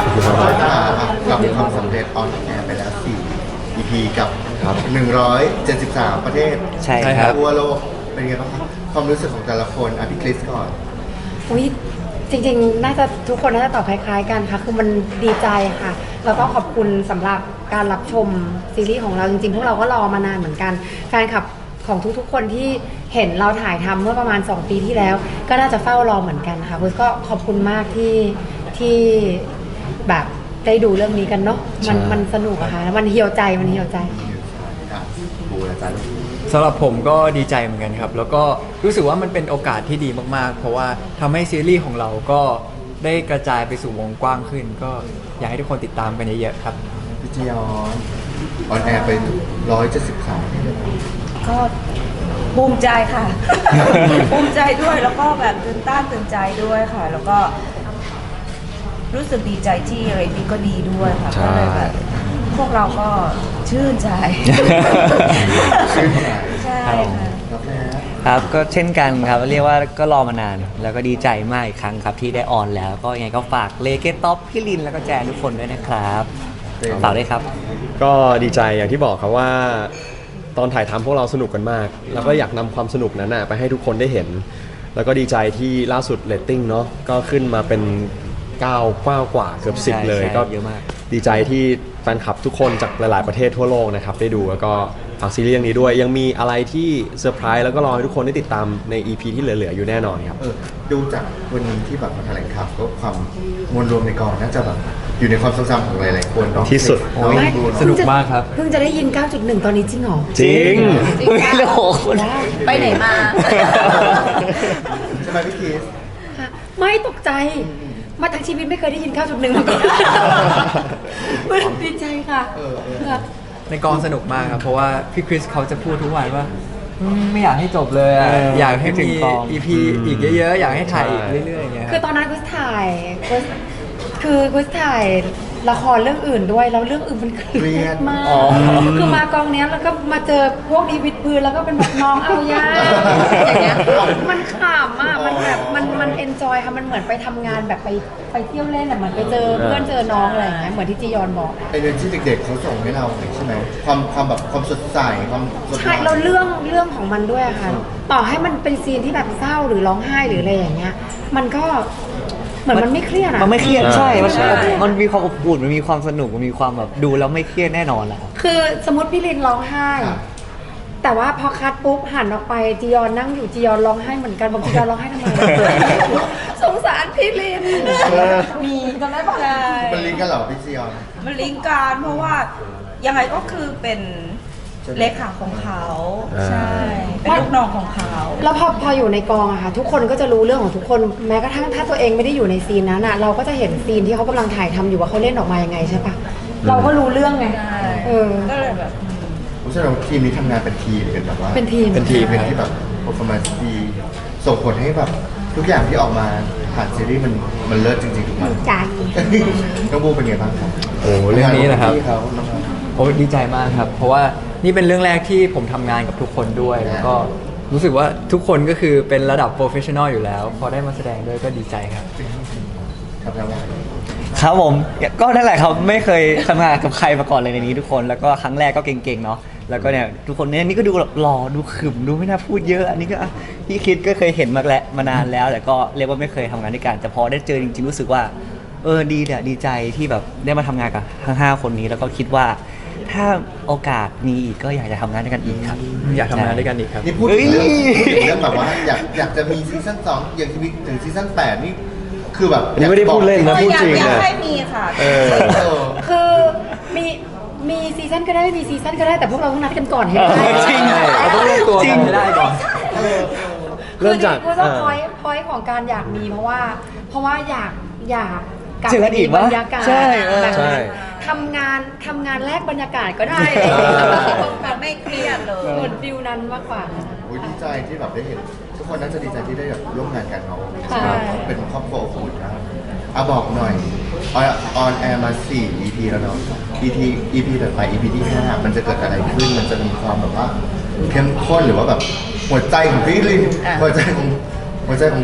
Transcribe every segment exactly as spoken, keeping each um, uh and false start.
กับความสำเร็จออนแอร์ไปแล้วสี่ อี พี กับหนึ่งร้อยเจ็ดสิบสามประเทศใช่ครับทั่วโลกเป็นไงบ้างครับความรู้สึกของแต่ละคนอ่ะพี่คริสก่อนอุ๊ยจริงๆ น่าจะทุกคนน่าจะตอบคล้ายๆกันค่ะ คือมันดีใจค่ะ แล้วก็ขอบคุณสำหรับการรับชมซีรีส์ของเราจริงๆ พวกเราก็รอมานานเหมือนกัน แฟนคลับของทุกๆ คนที่เห็นเราถ่ายทำเมื่อประมาณสองปีที่แล้ว ก็น่าจะเฝ้ารอเหมือนกันค่ะคุณก็ขอบคุณมากที่ที่แบบได้ดูเรื่องนี้กันเนาะ มันมันสนุกอะค่ะ มันเหี่ยวใจ มันเหี่ยวใจบูอาจารย์สำหรับผมก็ดีใจเหมือนกันครับ แล้วก็รู้สึกว่ามันเป็นโอกาสที่ดีมากๆ เพราะว่าทำให้ซีรีส์ของเราก็ได้กระจายไปสู่วงกว้างขึ้น ก็อยากให้ทุกคนติดตามกันเยอะๆครับพี่จียอนออนแอร์ไปร้อยเจ็ดสิบสามก็ภูมิใจค่ะ ภูมิใจด้วยแล้วก็แบบตื่นต้านตื่นใจด้วยค่ะ แล้วก็รู้สึกดีใจที่เรตติ้งก็ดีด้วยค่ะก็เลยแบบพวกเราก็ชื่นใจชื่นใจใช่ค่ะครับแม่ครับก็เช่นกันครับเรียกว่าก็รอมานาน แล้วก็ดีใจมากอีกครั้งครับที่ได้ออนแล้ว ก็ยังไงก็ฝากเลเกตท็อปพี่ลินแล้วก็แจนทุกคนด้วยนะครับฝากด้วยครับก็ดีใจอย่างที่บอกครับว่าตอนถ่ายทำพวกเราสนุกกันมาก แล้วก็อยากนำความสนุกนั้นนะไปให้ทุกคนได้เห็น แล้วก็ดีใจที่ล่าสุดเรตติ้งเนาะก็ขึ้นมาเป็นเก้าเก้ากว่าเกือบสิบใช่เลยใช่ก็เยอะมากดีใจที่แฟนคลับทุกคนจากหลาย ๆประเทศทั่วโลกนะครับได้ดูแล้วก็ฝากซีรีส์เรื่องนี้ด้วย ยังมีอะไรที่เซอร์ไพรส์แล้วก็รอให้ทุกคนได้ติดตามใน อี พี ที่เหลือ ๆ อยู่แน่นอนครับเออดูจากวันนี้ที่แบบมาแถลงข่าวก็ความมวลรวมในกองน่าจะแบบอยู่ในความทรงจำของหลายๆคนเนาะที่สุดโอ้ยไม่ดูสนุกมากครับเพิ่งจะได้ยิน เก้าจุดหนึ่ง ตอนนี้จริงเหรอจริงโอ้โหไปไหนมาใช่ไหมพี่คริสค่ะไม่ตกใจ มาทั้งชีวิตไม่เคยได้ยิน เก้าจุดหนึ่ง มาก่อนดีใจค่ะเออเออค่ะในกองสนุกมากครับ เพราะว่าพี่คริสเขาจะพูดทุกวันว่าอืมไม่อยากให้จบเลยอะเอออยอากให้คิดถึมีงกองอี พี อีกเยอะๆ อยากให้ถ่ายอีกใช่เรื่อยๆอย่างเงี้ยคคือรับตอนนั้นกุสถ่ายกุสคือกุสถ่ายละครเรื่องอื่นด้วย แล้วเรื่องอื่นมันเครียดมาก คือมากองเนี้ยแล้วก็มาเจอพวกดีวิดพื้นแล้วก็เป็นแบบน้องเอายาอย่างเงี้ย มันขำอ่ะ มันแบบมันมันเอนจอยค่ะ มันเหมือนไปทำงานแบบไปไปเที่ยวเล่นอ่ะเหมือนไปเจอเพื่อนเจอน้องอะไรอย่างเงี้ย เหมือนที่จียอนบอกไอเรื่องที่เด็กๆเขาส่งให้เราใช่ไหมความความแบบความสดใสความสดใช่ใสเราเรื่องเรื่องของมันด้วยอะค่ะ ต่อให้มันเป็นซีนที่แบบเศร้าหรือร้องไห้หรืออะไรอย่างเงี้ย มันก็เหมือนมันไม่เครียดอะมันไม่เครียดใช่มันใช่มันมีความอบอุ่นมันมีความสนุกมันมีความแบบดูแล้วไม่เครียดแน่นอนแหละครับคือสมมติพี่ลินร้องไห้ แต่ว่าพอคัดปุ๊บหันออกไปจียอนนั่งอยู่จียอนร้องไห้เหมือนกันบอกจียอนร้องไห้ทำไม สงสารพี่ลินมีจำได้ปะใช่มันลิงก์กันเหรอพี่ซีออนมันลิงก์กันเพราะว่ายังไงก็คือเป็นเลขาของเขาอ่าใช่ เป็นลูกน้องของเขาแล้วพอพออยู่ในกองอะค่ะ ทุกคนก็จะรู้เรื่องของทุกคนแม้กระทั่งถ้าตัวเองไม่ได้อยู่ในซีนนั้นอะเราก็จะเห็นซีนที่เขากำลังถ่ายทำอยู่ว่าเขาเล่นออกมายังไงใช่ปะเราก็รู้เรื่องไงใช่เออก็เลยแบบผมเชื่อว่าทีมนี้ทำงานเป็นทีมกันแบบว่าเป็นทีมเป็นทีมเป็นที่แบบ performance ดีส่งผลให้แบบทุกอย่างที่ออกมาผ่านซีรีส์มันมันเลิศจริงๆทุกมันใจน้องบูเป็นไงบ้างครับโอ้เรื่องนี้นะครับพี่เขาน้องเขาโอ้ดีใจมากครับ เพราะว่านี่เป็นเรื่องแรกที่ผมทำงานกับทุกคนด้วย แล้วก็รู้สึกว่าทุกคนก็คือเป็นระดับโปรเฟชชั่นอลอยู่แล้ว พอได้มาแสดงด้วยก็ดีใจครับครับแล้วว่าครับผมก็นั่นแหละครับไม่เคยทำงานกับใครมาก่อนเลยในนี้ทุกคนแล้วก็ครั้งแรกก็เก่งๆเนาะแล้วก็เนี่ยทุกคนเนี่ยนี่ก็ดูแบบหล่อดูขรึมดูไม่น่าพูดเยอะอันนี้ก็อ่ะพี่คิดก็เคยเห็นมาแล้วมานานแล้ว แต่ก็เรียกว่าไม่เคยทำงานด้วยกันแต่พอได้เจอจริงๆรู้สึกว่าเออดีเนี่ยดีใจที่แบบได้มาทำงานกับทั้งห้าคนนี้แล้วก็คิดว่าถ้าโอกาสมีอีกก็อยากจะทำงานด้วยกันอีกครับอยากทำงานด้วยกันอีกครับนี่พูดถึงเรื่องเฮ้ยพูดถึงเรื่องแบบว่าอยากอยากจะมีซีซั่นสองอยากจะมีถึงซีซั่นแปดนี่คือแบบอันนี้ไม่ได้พูดเล่นนะก็พูดอยากจริงอยากนะให้มีค่ะเออเออคือมีมีซีซั่นก็ได้ไม่มีซีซั่นก็ได้แต่พวกเราต้องนัดกันก่อนให้ได้จริงเราต้องรวมตัวกันให้ได้ก่อนเริ่มจากคือจริงๆอ่าพอยพอยของการอยากมีเพราะว่า เพราะว่าอยากอยากกลับเจอกัไปนอีมีกบรวะรยากาศใช่เออแบบใช่ทำงานทำงานแลกบรรยากาศก็ได้มันไม่เครียดเลยเหมือนฟิลนั้นมากกว่าโอ้ยดีใจที่แบบได้เห็น ทุกคนน่าจะดีใจที่ได้แบบร่วมงานกันเนาะใช่เป็นครอบครัวอบอุ่นนะอ่ะบอกหน่อยออนออนแอร์มาสี่ อี พี แล้วเนาะ อี พี อี พี ต่อไป อี พี ที่ห้ามันจะเกิดอะไรขึ้นมันจะมีความแบบว่าเข้มข้นหรือว่าแบบหัวใจของพี่ลินหัวใจของหัวใจของ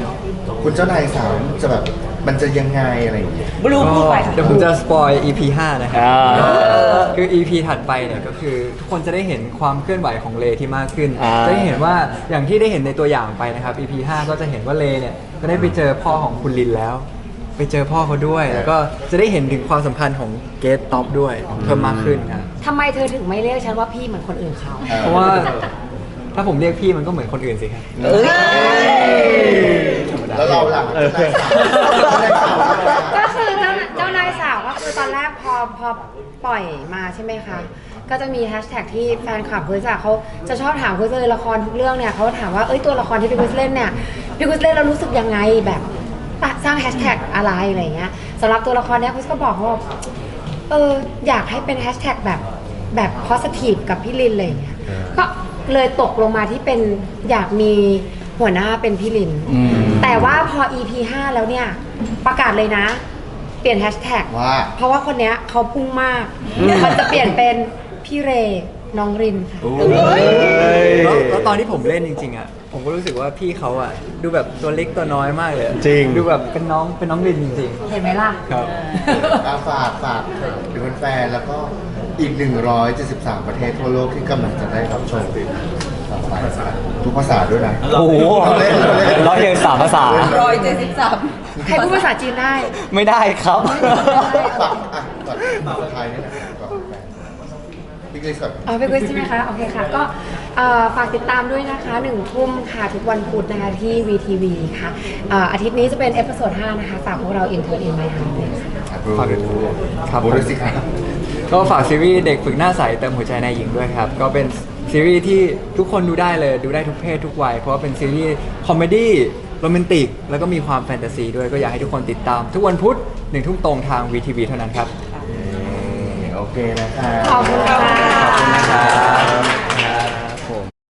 คุณเจ้านายสาวจะแบบมันจะยังไงอะไรอย่างเงี้ยบลูพูดไปค่ะเดี๋ยวผมจะสปอย อี พี ห้านะครับอ่าคือ อี พี ถัดไปเนี่ยก็คือทุกคนจะได้เห็นความเคลื่อนไหวของเลที่มากขึ้นอ่าจะได้เห็นว่าอย่างที่ได้เห็นในตัวอย่างไปนะครับ อี พี ห้าก็จะเห็นว่าเลเนี่ยก็ได้ไปเจอพ่อของคุณลินแล้ว ไปเจอพ่อเขาด้วย แล้วก็จะได้เห็นถึงความสัมพันธ์ของเกตท็อปด้วยเพิ่มมากขึ้นครับทำไมเธอถึงไม่เรียกฉันว่าพี่เหมือนคนอื่นเขาเพราะว่าถ้าผมเรียกพี่มันก็เหมือนคนอื่นสิครับเอ้ยแล้วเราหลังเจ้านายสาวเจ้านายสาวก็คือเจ้าเจ้านายสาวก็คือตอนแรกพอพอปล่อยมาใช่ไหมคะ ก็จะมีแฮชแท็กที่แฟนคลับคุยจากเขาจะชอบถามคุยเลยละครทุกเรื่องเนี่ยเขาถามว่าเอ้ยตัวละครที่พี่คุยเล่นเนี่ยพี่คุยเล่นเรารู้สึกยังไงแบบสร้างแฮชแท็กอะไรอะไรอย่างเงี้ยสำหรับตัวละครเนี้ยคุยก็บอกเขาว่าเอออยากให้เป็นแฮชแท็กแบบแบบ positive กับพี่ลินอะไรอย่างเงี้ยก็เลยตกลงมาที่เป็นอยากมีหัวหน้าเป็นพี่ลินอืมแต่ว่าพอ อี พี ห้าแล้วเนี่ยประกาศเลยนะ เปลี่ยนแฮชแท็กว่าเพราะว่าคนเนี้ยเขาพุ่งมาก มันจะเปลี่ยนเป็นพี่เรน้องรินค่ะแล้วแล้วตอนที่ผมเล่นจริงๆอ่ะผมก็รู้สึกว่าพี่เขาอ่ะดูแบบตัวเล็กตัวน้อยมากเลยอะจริงดูแบบเป็นน้องเป็นน้องลินจริงเห็นไหมล่ะๆครับอาฝากฝากถึงแฟนๆแล้วก็อีก หนึ่งร้อยเจ็ดสิบสาม ประเทศทั่วโลกที่กำลังจะได้รับชมต่อไปทุกภาษาด้วยนะโอ้โหเราเล่นเราเล่นร้อยเรียงสามภาษาร้อยเจ็ดสิบสามใครพูดภาษาจีนได้ไม่ได้ครับฝากอ่ะก่อนภาษาไทยนี่นะก่อนแฟนพี่กฤษก่อนเอาไปคุยใช่ไหมคะ โอเคค่ะ ก็เอ่อฝากติดตามด้วยนะคะหนึ่งทุ่มค่ะ ทุกวันพุธนะคะที่ วี ที วี ค่ะเอ่ออาทิตย์นี้จะเป็นเอพิโซดห้านะคะ ฝากพวกเรา Intern in My Heart ด้วยค่ะฝากด้วยครับบูด้วยสิครับก็ฝากซีรีส์เด็กฝึกหน้าใสเติมหัวใจนายหญิงด้วยครับ ก็เป็นซีรีส์ที่ทุกคนดูได้เลยดูได้ทุกเพศทุกวัย เพราะว่าเป็นซีรีส์คอมเมดี้โรแมนติก แล้วก็มีความแฟนตาซีด้วยก็อยากให้ทุกคนติดตาม ทุกวันพุธหนึ่งทุ่มตรงทาง วี ที วี เท่านั้นครับโอเคนะคะขอบคุณ